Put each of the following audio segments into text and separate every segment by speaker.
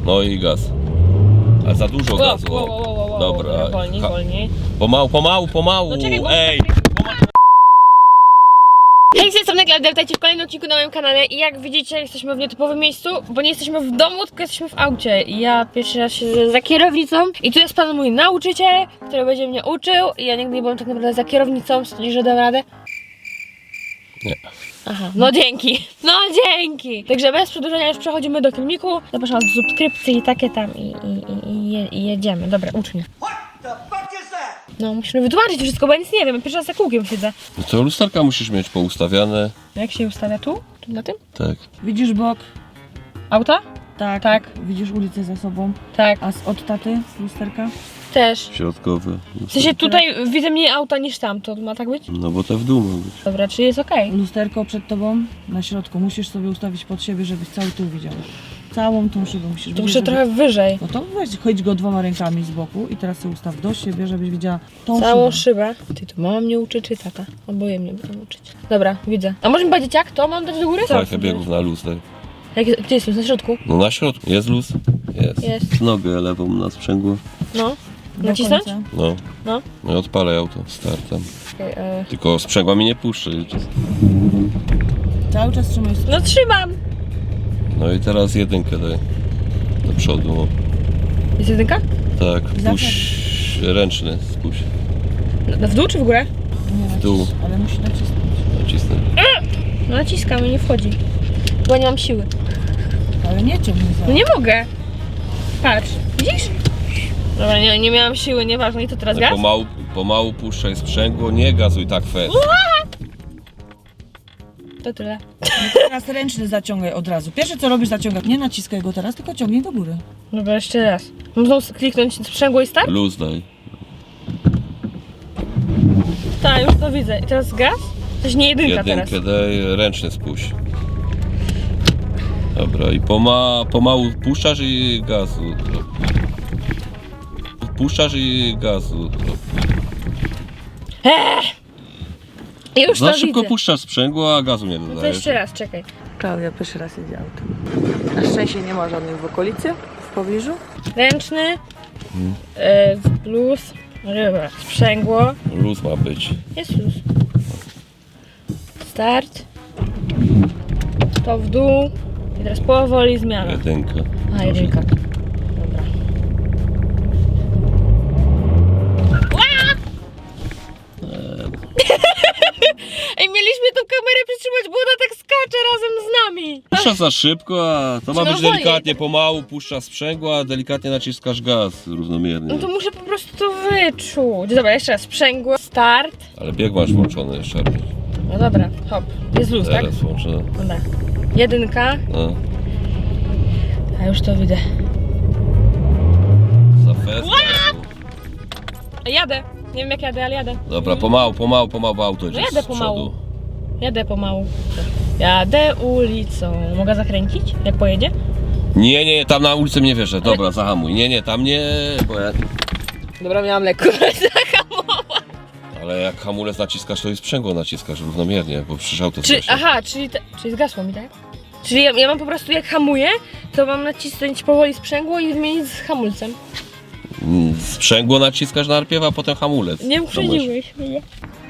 Speaker 1: No i gaz. Ale za dużo gazu. Dobra.
Speaker 2: Wolniej.
Speaker 1: Pomału.
Speaker 2: No czekaj, bo...
Speaker 1: Ej!
Speaker 2: Hej, z tej strony Klaudia, witajcie w kolejnym odcinku na moim kanale i jak widzicie jesteśmy w nietypowym miejscu, bo nie jesteśmy w domu, tylko jesteśmy w aucie i ja pierwszy raz siedzę za kierownicą i tu jest pan mój nauczyciel, który będzie mnie uczył i ja nigdy nie byłem tak naprawdę za kierownicą, sądzisz, że dam radę?
Speaker 1: Nie.
Speaker 2: Aha, no dzięki! Także bez przedłużenia już przechodzimy do filmiku, zapraszam do subskrypcji i takie tam i jedziemy, dobra, ucz mnie. No, musimy wytłumaczyć wszystko, bo ja nic nie wiem, ja pierwszy raz za kółkiem siedzę.
Speaker 1: No to lusterka musisz mieć poustawiane.
Speaker 2: Jak się ustawia tu? Tu na tym?
Speaker 1: Tak.
Speaker 3: Widzisz bok?
Speaker 2: Auta?
Speaker 3: Tak.
Speaker 2: Tak.
Speaker 3: Widzisz ulicę za sobą?
Speaker 2: Tak.
Speaker 3: A od taty lusterka?
Speaker 2: Też.
Speaker 1: Środkowy.
Speaker 2: W sensie tutaj widzę mniej auta niż tam, to ma tak być?
Speaker 1: No bo te w dół ma być.
Speaker 2: Dobra, czyli jest okej.
Speaker 3: Lusterko przed tobą na środku. Musisz sobie ustawić pod siebie, żebyś cały tył widział. Całą tą szybę musisz
Speaker 2: To
Speaker 3: widzieć,
Speaker 2: muszę
Speaker 3: żeby...
Speaker 2: trochę wyżej.
Speaker 3: No to weź, chodź go dwoma rękami z boku i teraz sobie ustaw do siebie, żebyś widziała tą
Speaker 2: Całą
Speaker 3: szybę.
Speaker 2: szybę. Ty, to mama mnie uczy czy tata? Oboje mnie będą uczyć. Dobra, widzę. A może mi powiedzieć jak? To mam dać do góry?
Speaker 1: Tak, biegów na luz, tak.
Speaker 2: Gdzie jest luz? Na środku?
Speaker 1: No na środku. Jest luz?
Speaker 2: Jest.
Speaker 1: Nogę lewą na sprzęgło.
Speaker 2: No.
Speaker 3: Do
Speaker 2: Nacisnąć?
Speaker 3: końca.
Speaker 1: No.
Speaker 2: No.
Speaker 1: No i odpalaj auto. Startem.
Speaker 2: Okay,
Speaker 1: Tylko sprzęgła mi nie puszczę.
Speaker 3: Cały czas trzymaj.
Speaker 2: No trzymam!
Speaker 1: No i teraz jedynkę daj. Do przodu.
Speaker 2: Jest jedynka?
Speaker 1: Tak. Puść ręczny. Spuść.
Speaker 2: W dół czy w górę?
Speaker 3: Nie
Speaker 1: W dół.
Speaker 3: nacisz, ale musi nacisnąć.
Speaker 1: Nacisnę.
Speaker 2: No naciskam i nie wchodzi. Bo nie mam siły.
Speaker 3: Ale nie ciągnij za.
Speaker 2: No nie mogę. Patrz. Widzisz? Dobra, nie miałam siły, nieważne. I to teraz gaz?
Speaker 1: Pomału puszczaj sprzęgło, nie gazuj tak fest.
Speaker 2: To tyle.
Speaker 3: Teraz ręczny zaciągaj od razu. Pierwsze co robisz, zaciągaj. Nie naciskaj go teraz, tylko ciągnij do góry.
Speaker 2: Dobra, jeszcze raz. Mam znowu kliknąć sprzęgło i start?
Speaker 1: Luz daj.
Speaker 2: Tak, już to widzę. I teraz gaz? To nie jedynka teraz.
Speaker 1: Jedynkę daj, ręczny spuść. Dobra, i pomału puszczasz i gazu. Puszczasz i gazu.
Speaker 2: Już
Speaker 1: Za
Speaker 2: to
Speaker 1: szybko
Speaker 2: widzę.
Speaker 1: puszczasz sprzęgło, a gazu nie
Speaker 2: To
Speaker 1: dodajesz.
Speaker 2: jeszcze raz, czekaj.
Speaker 3: Klaudia pierwszy raz jedzie autem. Na szczęście nie ma żadnych w okolicy, w pobliżu.
Speaker 2: Ręczny, luz, dobra, sprzęgło,
Speaker 1: Luz ma być.
Speaker 2: jest luz. Start, to w dół i teraz powoli zmiana.
Speaker 1: Jedynka.
Speaker 2: A, jedynka. Dobra. Ej, mieliśmy tą kamerę przytrzymać, bo ona tak skacze razem z nami.
Speaker 1: Puszczasz za szybko, a to ma być
Speaker 2: wolniej.
Speaker 1: delikatnie, pomału puszczasz sprzęgło, a delikatnie naciskasz gaz równomiernie.
Speaker 2: No to muszę po prostu to wyczuć. Dobra, jeszcze raz. Sprzęgło, start.
Speaker 1: Ale bieg masz włączony jeszcze.
Speaker 2: No dobra, hop. Jest luz, tak?
Speaker 1: Teraz włączony.
Speaker 2: Dobra. Jedynka.
Speaker 1: No.
Speaker 2: A już to widzę.
Speaker 1: Za fest.
Speaker 2: Jadę. Nie wiem jak jadę, ale jadę.
Speaker 1: Dobra, pomału auto
Speaker 2: No
Speaker 1: idzie
Speaker 2: jadę
Speaker 1: z
Speaker 2: pomału.
Speaker 1: przodu.
Speaker 2: Jadę pomału. Jadę ulicą. Mogę zakręcić? Jak pojedzie?
Speaker 1: Nie, tam na ulicy mnie wierzę. Dobra, zahamuj. Nie, tam nie, bo ja...
Speaker 2: Dobra, miałam lekko zahamować.
Speaker 1: Ale jak hamulec naciskasz, to i sprzęgło naciskasz równomiernie, bo przecież auto
Speaker 2: Czyli,
Speaker 1: wcześniej.
Speaker 2: aha, czyli zgasło mi, tak? Czyli ja mam po prostu jak hamuję, to mam nacisnąć powoli sprzęgło i wymienić z hamulcem.
Speaker 1: Sprzęgło naciskasz najpierw, a potem hamulec.
Speaker 2: Nie
Speaker 1: To
Speaker 2: uprzedziłeś mnie.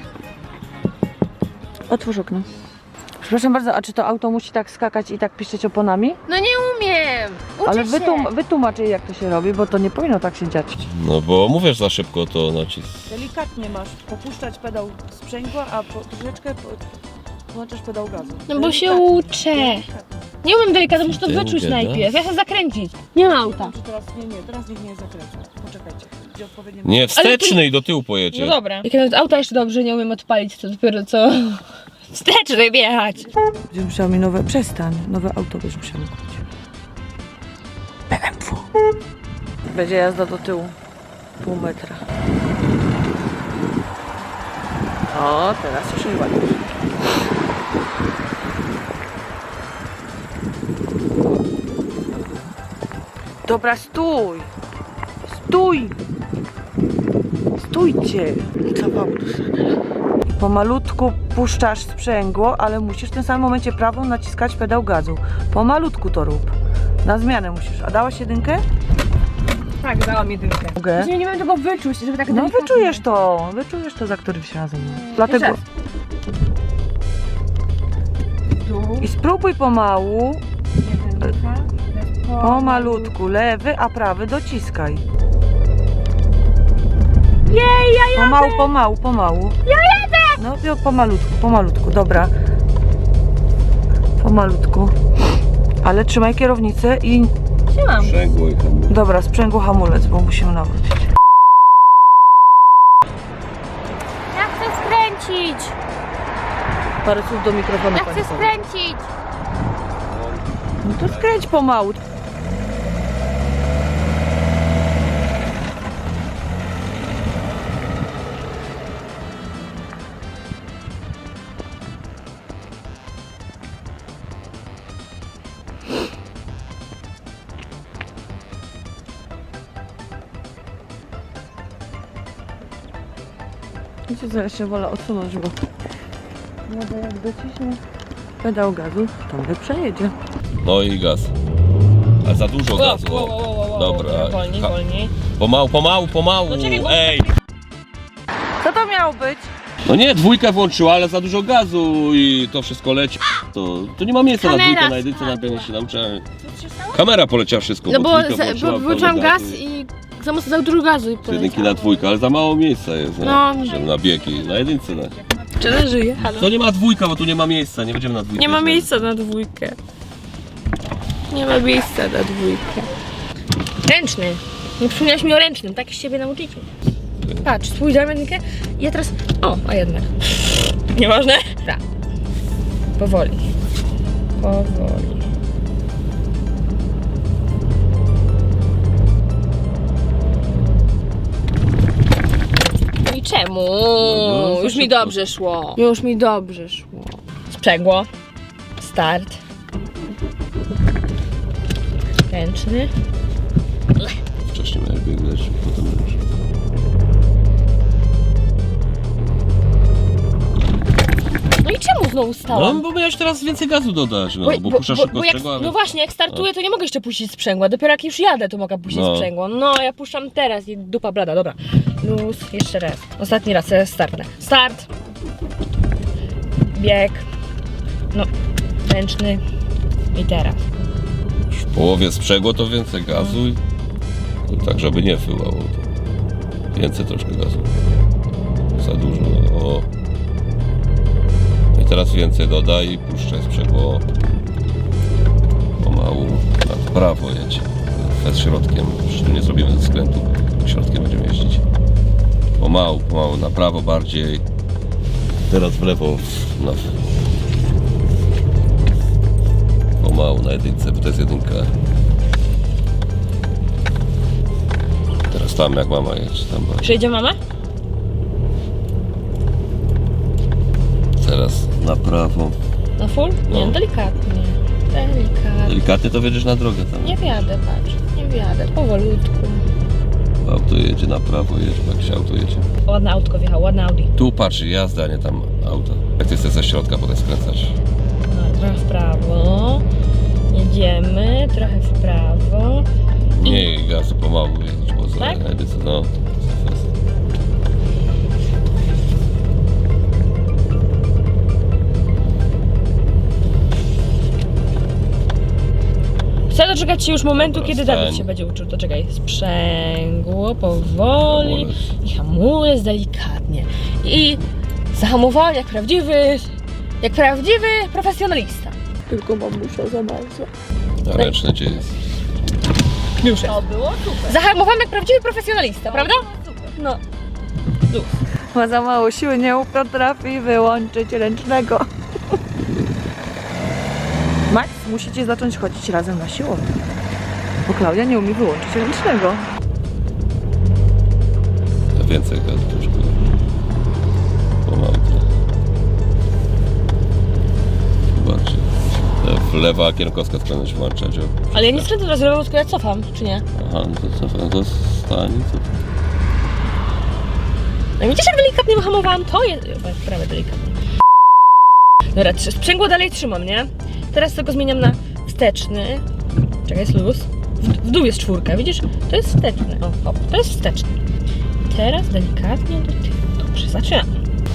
Speaker 3: Otwórz okno. Przepraszam bardzo, a czy to auto musi tak skakać i tak piszczeć oponami?
Speaker 2: No nie umiem! Uczę
Speaker 3: Ale
Speaker 2: się!
Speaker 3: wytłumacz jej jak to się robi, bo to nie powinno tak się dziać.
Speaker 1: No bo mówisz za szybko, to nacisk.
Speaker 3: Delikatnie masz popuszczać pedał sprzęgła, a troszeczkę włączasz pedał gazu.
Speaker 2: No bo się uczę. Nie umiem delikatnie, muszę to
Speaker 1: Ty
Speaker 2: wyczuć
Speaker 1: gada?
Speaker 2: najpierw. Ja chcę zakręcić. Nie ma auta.
Speaker 3: Teraz niech nie zakręca. Poczekajcie. Gdzie odpowiednie...
Speaker 1: Nie, wsteczny i do tyłu pojedzie.
Speaker 2: No dobra. Jak nawet auta jeszcze dobrze nie umiem odpalić, to dopiero co... Wsteczny wjechać.
Speaker 3: Będziesz musiała mi nowe... Przestań. Nowe auto będziesz musiała mi kupić. BMW. Będzie jazda do tyłu. Pół metra. O, teraz już ładnie. Dobra, stój! Stój! Stójcie! Kawałek. Pomalutku puszczasz sprzęgło, ale musisz w tym samym momencie prawą naciskać pedał gazu. Pomalutku to rób. Na zmianę musisz. A dałaś jedynkę?
Speaker 2: Tak, dałam jedynkę.
Speaker 3: Mogę?
Speaker 2: Nie wiem tego wyczuć, żeby tak
Speaker 3: No
Speaker 2: delikatnie.
Speaker 3: wyczujesz to za którymś razem. Dlatego...
Speaker 2: Jeszcze Tu.
Speaker 3: I spróbuj pomału,
Speaker 2: Jedynka.
Speaker 3: pomalutku, lewy, a prawy dociskaj.
Speaker 2: Jej, ja jadę!
Speaker 3: Pomału. Ja jadę! No pomalutku, dobra. Pomalutku. Ale trzymaj kierownicę i...
Speaker 2: Trzymam.
Speaker 1: Sprzęgło i hamulec.
Speaker 3: Dobra, sprzęgło hamulec, bo musimy nawrócić.
Speaker 2: Ja chcę skręcić!
Speaker 3: Parę słów do mikrofonu.
Speaker 2: Ja
Speaker 3: pani
Speaker 2: chcę
Speaker 3: powie.
Speaker 2: skręcić!
Speaker 3: No to skręć pomału. Wiecie co, ja się wolę odsunąć, bo jak dociśnie pedał gazu, to my przejedzie.
Speaker 1: No i gaz. Ale za dużo gazu. Dobra.
Speaker 2: Wolniej,
Speaker 1: Ha-
Speaker 2: wolniej.
Speaker 1: Pomału.
Speaker 2: No czekaj, bo-
Speaker 1: Ej!
Speaker 3: Co to miało być?
Speaker 1: No nie, dwójkę włączyła, ale za dużo gazu i to wszystko leci. To nie ma miejsca
Speaker 2: Kamera
Speaker 1: na dwójkę, na jedynce, na pewno się nauczyłem. Kamera poleciała wszystko,
Speaker 2: No bo
Speaker 1: dwójkę włączyła,
Speaker 2: włączyłam
Speaker 1: pełno
Speaker 2: gaz
Speaker 1: gazu
Speaker 2: i za mocno dał dużo gazu i
Speaker 1: z jedynki na dwójkę, ale za mało miejsca jest,
Speaker 2: No.
Speaker 1: żeby na biegi, na jedynce.
Speaker 2: Czy ona żyje? Halo?
Speaker 1: To nie ma dwójka, bo tu nie ma miejsca, nie będziemy na dwójkę.
Speaker 2: Nie ma miejsca na dwójkę. Nie ma miejsca na dwójkę. Ręczny. Nie przypomniałaś mi o ręcznym, tak z siebie nauczycie. Patrz, spójrzałem jedynkę i ja teraz... O, a jednak. Nieważne? Tak. Powoli. Powoli. No i czemu?
Speaker 1: No,
Speaker 2: Już mi
Speaker 1: szybko.
Speaker 2: dobrze szło. Już mi dobrze szło. Sprzęgło. Start. Ręczny.
Speaker 1: Wcześniej miałeś biegać, potem już.
Speaker 2: No i czemu znowu
Speaker 1: No
Speaker 2: stałam?
Speaker 1: bo miałeś teraz więcej gazu dodać, no, bo puszczasz szybko
Speaker 2: jak,
Speaker 1: sprzęgła.
Speaker 2: no właśnie, jak startuję, to nie mogę jeszcze puścić sprzęgła. Dopiero jak już jadę, to mogę puścić
Speaker 1: No.
Speaker 2: sprzęgło. No, ja puszczam teraz i dupa blada, dobra. Luz, jeszcze raz. Ostatni raz, teraz startnę. Start. Bieg. No, ręczny. I teraz.
Speaker 1: W połowie sprzęgło to więcej gazu i to tak, żeby nie wyłało. To więcej troszkę gazu. Za dużo. O. I teraz więcej dodaj i puszczaj sprzęgło. Pomału na prawo jedź. Przed środkiem. Przecież tu nie zrobimy ze skrętu. Środkiem będziemy jeździć. Pomału na prawo bardziej. Teraz w lewo. Pomału na jedynce, bo to jest jedynka. Teraz tam jak mama jedź, tam bardziej.
Speaker 2: Przyjedzie mama?
Speaker 1: Teraz na prawo.
Speaker 2: Na full? Nie,
Speaker 1: No.
Speaker 2: delikatnie. Delikatnie.
Speaker 1: Delikatnie to wiedziesz na drogę tam.
Speaker 2: Nie wjadę, patrz. Nie wjadę, powolutku.
Speaker 1: Auto jedzie na prawo, jedź, jak się auto jedzie.
Speaker 2: Ładne autko wjechało, ładne Audi.
Speaker 1: Tu patrz, jazda, a nie tam auto. Jak ty chcesz ze środka potem skręcać.
Speaker 2: No, trochę w prawo. Jedziemy, trochę w prawo.
Speaker 1: Nie gazu, pomału jedź, bo za
Speaker 2: Tak?
Speaker 1: edycję, no.
Speaker 2: Chcę doczekać się już momentu,
Speaker 1: Dobra,
Speaker 2: kiedy
Speaker 1: stań.
Speaker 2: Dawid się będzie uczył. To czekaj, sprzęgło, powoli
Speaker 1: Hamulec.
Speaker 2: i hamulec delikatnie. I zahamowanie jak prawdziwy profesjonalista. Tylko mamusia za bardzo.
Speaker 1: A ręczne gdzie jest?
Speaker 2: Już jest. To było super. Zahamowałem jak prawdziwy profesjonalista, prawda? No.
Speaker 3: Ma za mało siły, nie potrafi wyłączyć ręcznego. Max, musicie zacząć chodzić razem na siłownię. Bo Klaudia nie umie wyłączyć ręcznego.
Speaker 1: Więcej gazu troszkę. Pomału trochę. Bardziej. W lewa kierunkowska skręć włączać.
Speaker 2: Ale ja nie skręcę teraz lewą, tylko ja cofam, czy nie?
Speaker 1: Aha, no to co? No to stań, co?
Speaker 2: No widzisz, jak delikatnie wyhamowałam? To jest... prawie delikatnie. Dobra, sprzęgło dalej trzymam, nie? Teraz tylko zmieniam na wsteczny. Czekaj, jest luz. W dół jest 4, widzisz? To jest wsteczny. O, hop, to jest wsteczny. Teraz delikatnie do tyłu. Dobrze, zaczynamy.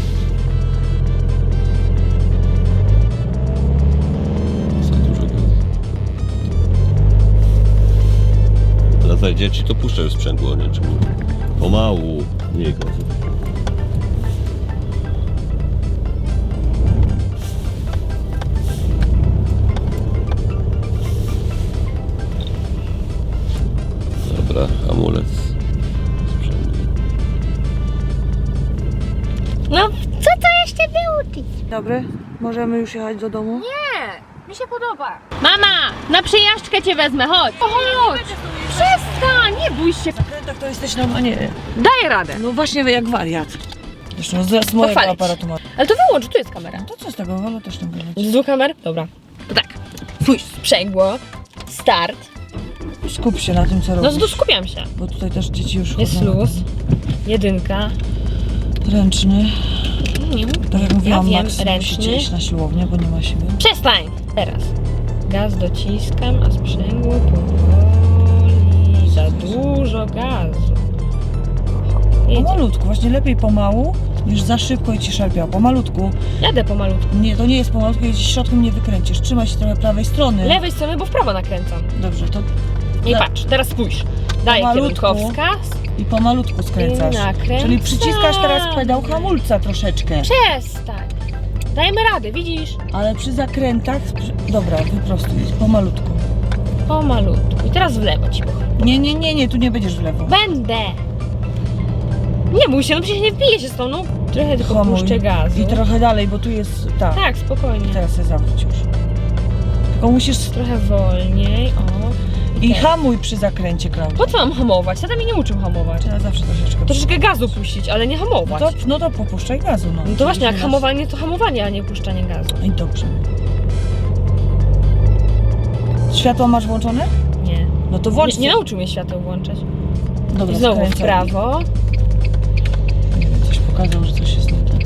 Speaker 1: Za dużo gazu. Teraz jak dzieci to puszczają sprzęgło, nie? Czemu? Pomału, nie gazu. Dobra, hamulec. Sprzęgło.
Speaker 2: No, co to jeszcze było?
Speaker 3: Dobry, możemy już jechać do domu?
Speaker 2: Nie, mi się podoba. Mama, na przejażdżkę cię wezmę, chodź. Chodź. Przestań, nie bój się.
Speaker 3: Tak to jesteś normalnie.
Speaker 2: Daj radę.
Speaker 3: No właśnie jak wariat. Zresztą z mojego
Speaker 2: Pochwalić.
Speaker 3: aparatu ma.
Speaker 2: Ale to wyłącz, tu jest kamera.
Speaker 3: To co z tego? Wolno też tam wyjechać.
Speaker 2: Z 2 kamer? Dobra. To tak. Pójdź, sprzęgło, start.
Speaker 3: Skup się na tym, co
Speaker 2: No
Speaker 3: robisz.
Speaker 2: skupiam się.
Speaker 3: Bo tutaj też dzieci już
Speaker 2: Jest
Speaker 3: chodzą.
Speaker 2: luz. 1.
Speaker 3: Ręczny. Tak jak mówiłam,
Speaker 2: ja wiem,
Speaker 3: Max musicie
Speaker 2: ręczny.
Speaker 3: iść na siłownię, bo nie ma siły.
Speaker 2: Przestań! Teraz. Gaz dociskam, a sprzęgło powoli. Za dużo gazu. Jedzie.
Speaker 3: Pomalutku, właśnie lepiej pomału niż za szybko i ci szarpiało. Pomalutku.
Speaker 2: Jadę pomalutku.
Speaker 3: Nie, to nie jest pomalutku, jeśli środkiem nie wykręcisz. Trzymaj się trochę prawej strony.
Speaker 2: Lewej strony, bo w prawo nakręcam.
Speaker 3: Dobrze, to
Speaker 2: I
Speaker 3: Tak.
Speaker 2: patrz, teraz spójrz. Daję
Speaker 3: Pomalutku.
Speaker 2: kierunkowskaz.
Speaker 3: i pomalutku skręcasz.
Speaker 2: I nakręcamy.
Speaker 3: Czyli przyciskasz teraz pedał hamulca troszeczkę.
Speaker 2: Przestań. Dajemy radę, widzisz?
Speaker 3: Ale przy zakrętach... Dobra, wyprostuj, pomalutku.
Speaker 2: Pomalutku. I teraz w lewo ci powiem.
Speaker 3: Nie, tu nie będziesz w lewo.
Speaker 2: Będę. Nie bój się, no przecież nie wbiję się z tą, no. Trochę tylko
Speaker 3: Hamuj.
Speaker 2: puszczę gazu.
Speaker 3: I trochę dalej, bo tu jest... Tak,
Speaker 2: Tak, spokojnie.
Speaker 3: teraz się zawróć już. Tylko musisz...
Speaker 2: Trochę wolniej, o.
Speaker 3: I
Speaker 2: teraz.
Speaker 3: hamuj przy zakręcie, Klaudia.
Speaker 2: Po co mam hamować? Tata mnie nie uczył hamować.
Speaker 3: Trzeba zawsze troszeczkę...
Speaker 2: Troszeczkę gazu puścić, ale nie hamować.
Speaker 3: No to popuszczaj gazu, no.
Speaker 2: No to właśnie, jak
Speaker 3: Teraz-
Speaker 2: hamowanie, to hamowanie, a nie puszczanie gazu.
Speaker 3: I dobrze. Światło masz włączone?
Speaker 2: Nie.
Speaker 3: No to włącz.
Speaker 2: Nie nauczył mnie świateł włączać.
Speaker 3: Dobra,
Speaker 2: I znowu w
Speaker 3: skręcaj.
Speaker 2: prawo.
Speaker 3: Coś pokazał, że coś jest nie tak.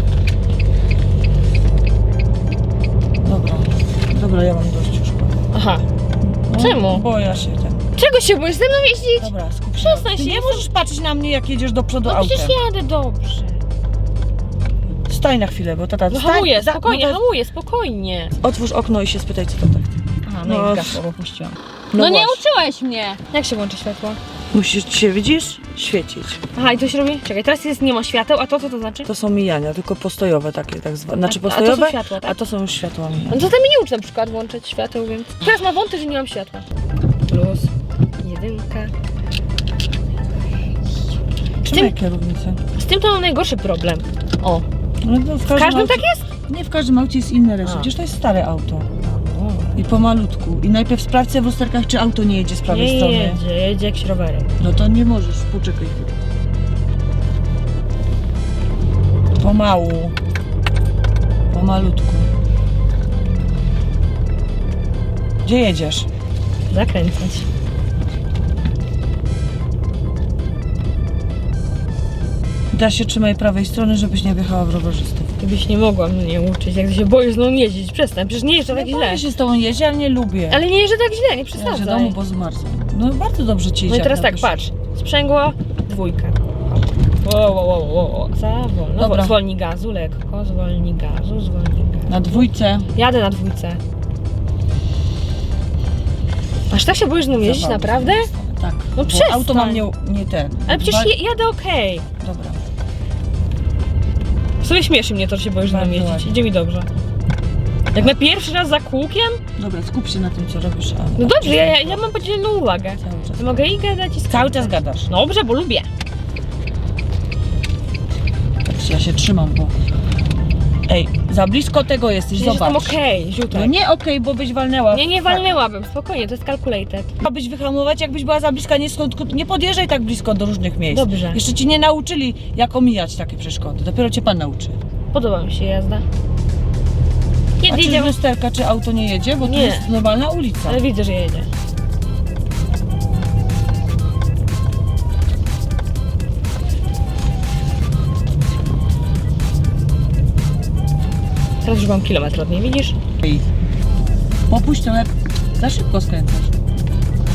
Speaker 3: Dobra, ja mam dość już.
Speaker 2: Aha.
Speaker 3: No,
Speaker 2: Czemu?
Speaker 3: Bo ja się ten...
Speaker 2: Czego się boisz ze mną jeździć?
Speaker 3: Dobra, skup się.
Speaker 2: Przestań
Speaker 3: Ty
Speaker 2: się,
Speaker 3: nie
Speaker 2: jestem-
Speaker 3: możesz patrzeć na mnie, jak jedziesz do przodu
Speaker 2: No
Speaker 3: autem.
Speaker 2: przecież jadę dobrze.
Speaker 3: Stań na chwilę, bo tata...
Speaker 2: No
Speaker 3: stań,
Speaker 2: hamuję,
Speaker 3: za-
Speaker 2: spokojnie,
Speaker 3: no to-
Speaker 2: hamuję, spokojnie.
Speaker 3: Otwórz okno i się spytaj, co to tak.
Speaker 2: Aha,
Speaker 3: no i
Speaker 2: no i
Speaker 3: gasło,
Speaker 2: gasło puściłam.
Speaker 3: No
Speaker 2: No nie
Speaker 3: właśnie.
Speaker 2: uczyłeś mnie. Jak się włączy światło?
Speaker 3: Musisz się, widzisz? Świecić.
Speaker 2: Aha, i to się robi? Czekaj, teraz jest, nie ma świateł, a to co to znaczy?
Speaker 3: To są mijania, tylko postojowe takie, tak zwane. Znaczy
Speaker 2: A to są
Speaker 3: postojowe,
Speaker 2: światła, tak?
Speaker 3: a to są już światła mijania.
Speaker 2: No to tam mi nie uczy na przykład włączać świateł, więc... Teraz ma wąty, że nie mam światła. Plus. 1.
Speaker 3: Trzymaj kierownicę.
Speaker 2: Z tym to mam najgorszy problem. O,
Speaker 3: No to
Speaker 2: w każdym
Speaker 3: aucie,
Speaker 2: tak jest?
Speaker 3: Nie, w każdym aucie jest inny rejestr.
Speaker 2: A.
Speaker 3: Przecież to jest stare auto. I pomalutku. I najpierw sprawdź w lusterkach, czy auto nie jedzie z prawej
Speaker 2: Nie
Speaker 3: strony.
Speaker 2: jedzie jakiś rowerek.
Speaker 3: No to nie możesz, poczekaj chwilę. Pomału. Pomalutku. Gdzie jedziesz?
Speaker 2: Zakręcać.
Speaker 3: Da się trzymaj prawej strony, żebyś nie wjechała w rowerzystów.
Speaker 2: Ty byś nie mogła mnie uczyć, jak ty się boisz z nią jeździć. Przestań, przecież nie jeżdżę tak
Speaker 3: Ja
Speaker 2: źle.
Speaker 3: boję się z tobą jeździ, ale nie lubię.
Speaker 2: Ale nie jeżdżę tak źle, nie
Speaker 3: Ja się
Speaker 2: przesadzaj.
Speaker 3: domu, bo zmarzę. No bardzo dobrze ci
Speaker 2: No
Speaker 3: idzie.
Speaker 2: i teraz
Speaker 3: jak
Speaker 2: tak,
Speaker 3: napiszesz.
Speaker 2: patrz. Sprzęgło, 2. Wow. Za wolno.
Speaker 3: Dobra.
Speaker 2: Zwolnij gazu, lekko. Zwolnij gazu.
Speaker 3: Na 2.
Speaker 2: Jadę na 2. Aż tak się boisz z nią jeździć,
Speaker 3: Zabawy.
Speaker 2: naprawdę?
Speaker 3: Tak.
Speaker 2: No
Speaker 3: bo
Speaker 2: przestań.
Speaker 3: auto mam nie ten.
Speaker 2: Ale przecież jadę okej.
Speaker 3: Dobra.
Speaker 2: W sumie śmieszy mnie to, że się boisz z nią
Speaker 3: Bardzo
Speaker 2: jeździć.
Speaker 3: ładnie.
Speaker 2: Idzie mi dobrze. Jak na pierwszy raz za kółkiem?
Speaker 3: Dobra, skup się na tym, co robisz. A
Speaker 2: No dobrze, ja mam podzielną uwagę.
Speaker 3: Cały czas.
Speaker 2: Mogę i gadać i
Speaker 3: Cały
Speaker 2: skakać.
Speaker 3: czas gadasz.
Speaker 2: Dobrze, bo lubię.
Speaker 3: Patrz, ja się trzymam, bo... Ej, za blisko tego jesteś,
Speaker 2: Przecież
Speaker 3: zobacz.
Speaker 2: jestem okej, ziutek.
Speaker 3: No nie okej, bo byś walnęła.
Speaker 2: Nie walnęłabym, spokojnie, to jest calculated.
Speaker 3: Abyś wyhamować, jakbyś była za bliska, nie podjeżdżaj tak blisko do różnych miejsc.
Speaker 2: Dobrze.
Speaker 3: Jeszcze ci nie nauczyli, jak omijać takie przeszkody. Dopiero cię pan nauczy.
Speaker 2: Podoba mi się jazda.
Speaker 3: A
Speaker 2: Kiedy
Speaker 3: czy z
Speaker 2: jedziemy?
Speaker 3: lusterka, czy auto nie jedzie? Bo to
Speaker 2: Nie.
Speaker 3: jest normalna ulica.
Speaker 2: Ale widzę, że jedzie. Teraz już mam kilometr od niej, widzisz?
Speaker 3: Ej, popuść trochę, za szybko skręcasz.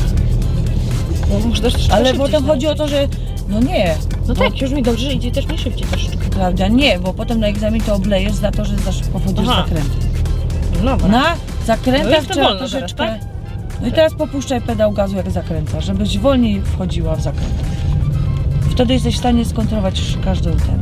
Speaker 2: Bo muszę też
Speaker 3: Ale
Speaker 2: szybciej
Speaker 3: potem
Speaker 2: się
Speaker 3: chodzi o to, że no nie.
Speaker 2: No tak, już mi dobrze idzie też mi szybciej troszeczkę.
Speaker 3: Prawda, nie, bo potem na egzamin to oblejesz za to, że za szybko wchodzisz w
Speaker 2: Aha.
Speaker 3: zakręty.
Speaker 2: Dobra.
Speaker 3: Na
Speaker 2: No
Speaker 3: zakrętach
Speaker 2: już to
Speaker 3: trzeba
Speaker 2: wolno
Speaker 3: troszeczkę...
Speaker 2: teraz,
Speaker 3: No i teraz popuszczaj pedał gazu jak zakręcasz, żebyś wolniej wchodziła w zakręt. Wtedy jesteś w stanie skontrolować każdy ten.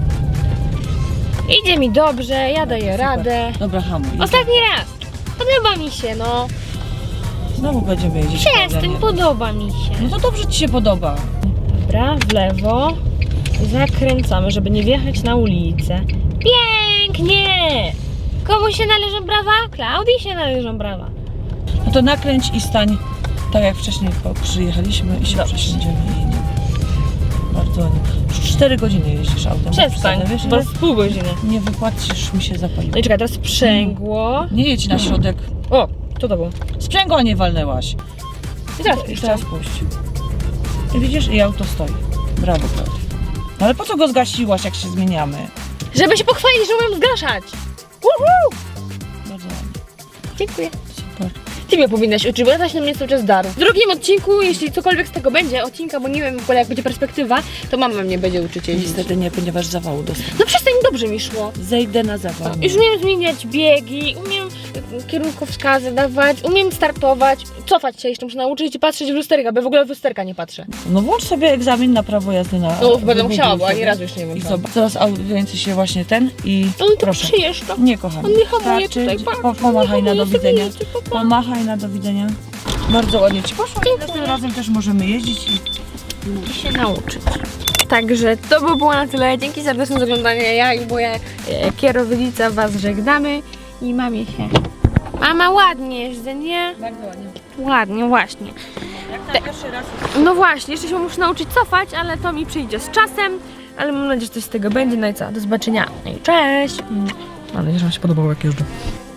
Speaker 2: Idzie mi dobrze, ja daję
Speaker 3: Super.
Speaker 2: radę.
Speaker 3: Dobra, hamuj.
Speaker 2: Ostatni raz. Podoba mi się, no.
Speaker 3: Znowu będziemy jeździć.
Speaker 2: Przestań,
Speaker 3: nie?
Speaker 2: podoba mi się.
Speaker 3: No to dobrze ci się podoba.
Speaker 2: Dobra, w lewo. Zakręcamy, żeby nie wjechać na ulicę. Pięknie! Komu się należą brawa? Klaudii się należą brawa.
Speaker 3: No to nakręć i stań tak jak wcześniej przyjechaliśmy i się
Speaker 2: Dobrze.
Speaker 3: przesiądziemy i jedziemy. Bardzo ładnie. Już 4 godziny jeździsz autem.
Speaker 2: Przestań,
Speaker 3: Wiesz,
Speaker 2: bo
Speaker 3: ile?
Speaker 2: z pół godziny.
Speaker 3: Nie wypłacisz, mi się zapaliło.
Speaker 2: No i czekaj, teraz sprzęgło.
Speaker 3: Nie jedź na środek.
Speaker 2: O, co to było?
Speaker 3: Sprzęgła nie walnęłaś.
Speaker 2: I teraz
Speaker 3: I
Speaker 2: jeszcze.
Speaker 3: teraz puść. I widzisz, i auto stoi. Brawo, Klaudia. No ale po co go zgasiłaś, jak się zmieniamy?
Speaker 2: Żeby się pochwalić, że umiem zgaszać. Uhu!
Speaker 3: Bardzo ładnie.
Speaker 2: Dziękuję.
Speaker 3: Super.
Speaker 2: Ty mnie powinnaś uczyć, bo ja też na mnie cały czas daru. W drugim odcinku, jeśli cokolwiek z tego będzie, odcinka, bo nie wiem w ogóle jak będzie perspektywa, to mama mnie będzie uczyć jeździć.
Speaker 3: Niestety nie, ponieważ zawału dostałem.
Speaker 2: No przestań, dobrze mi szło.
Speaker 3: Zejdę na zawał.
Speaker 2: Już umiem zmieniać biegi, umiem kierunkowskazy dawać, umiem startować, cofać się jeszcze muszę nauczyć i patrzeć w lusterka, bo w ogóle w lusterka nie patrzę.
Speaker 3: No włącz sobie egzamin na prawo jazdy na...
Speaker 2: No będę
Speaker 3: Wygoogluj
Speaker 2: musiała, bo ani
Speaker 3: sobie.
Speaker 2: razu jeszcze nie
Speaker 3: I
Speaker 2: włączyłam.
Speaker 3: zobacz, teraz audiency się właśnie ten i
Speaker 2: On to
Speaker 3: proszę.
Speaker 2: przyjeżdża.
Speaker 3: Nie, kochani.
Speaker 2: On nie hamuje
Speaker 3: Starczy.
Speaker 2: tutaj, patrz.
Speaker 3: Pomachaj na do widzenia.
Speaker 2: Jedzie, papa.
Speaker 3: Pomachaj na do widzenia. Bardzo ładnie ci poszło. Następnym razem też możemy jeździć i...
Speaker 2: I się nauczyć. Także to by było na tyle. Dzięki serdeczne za oglądanie. Ja i moja kierownica was żegnamy i mamie się. Mama ładnie jeżdżę, nie?
Speaker 3: Bardzo ładnie.
Speaker 2: Ładnie, właśnie.
Speaker 3: Jak na pierwszy raz...
Speaker 2: No właśnie, jeszcze się muszę nauczyć cofać, ale to mi przyjdzie z czasem. Ale mam nadzieję, że coś z tego będzie. No i co? Do zobaczenia. No i cześć! Mam nadzieję, że wam się podobało, jak jeżdżę.